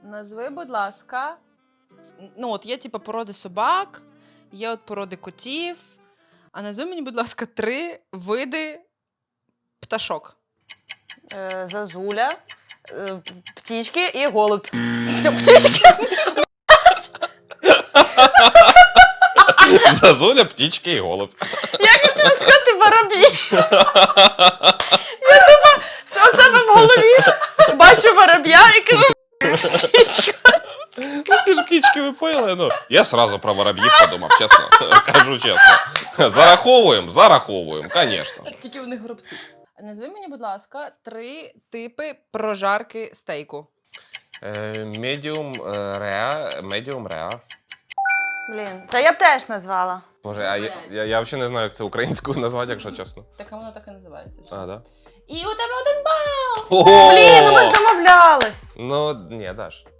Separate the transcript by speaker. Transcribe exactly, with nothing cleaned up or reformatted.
Speaker 1: Назви, будь ласка. Ну, от є типу породи собак, є от породи котів. А назви мені, будь ласка, три види пташок.
Speaker 2: Е, зазуля, е, птічки і голуб. Що, птічки?
Speaker 3: Зазуля, птічки і голуб.
Speaker 2: Як я хотіла сказати воробі? Я типа все в себе в голові бачу вороб'я і кажу птічка.
Speaker 3: Ну, ці ж птічки, ви поняли? Ну, я сразу про вороб'їв подумав, чесно. Кажу чесно. Зараховуємо, зараховуємо, звісно.
Speaker 1: Тільки в них горобці. Назви мені, будь ласка, три типи прожарки стейку.
Speaker 3: Медіум реа, медіум реа.
Speaker 2: Блін, це я б теж назвала.
Speaker 3: Боже, а я, я, я взагалі не знаю, як це українською назвати, якщо чесно.
Speaker 1: Так а воно так і називається.
Speaker 3: А, да?
Speaker 1: І у тебе один бал!
Speaker 3: Ого!
Speaker 2: Блін, ну ми ж домовлялись.
Speaker 3: Ну, ні, Даш.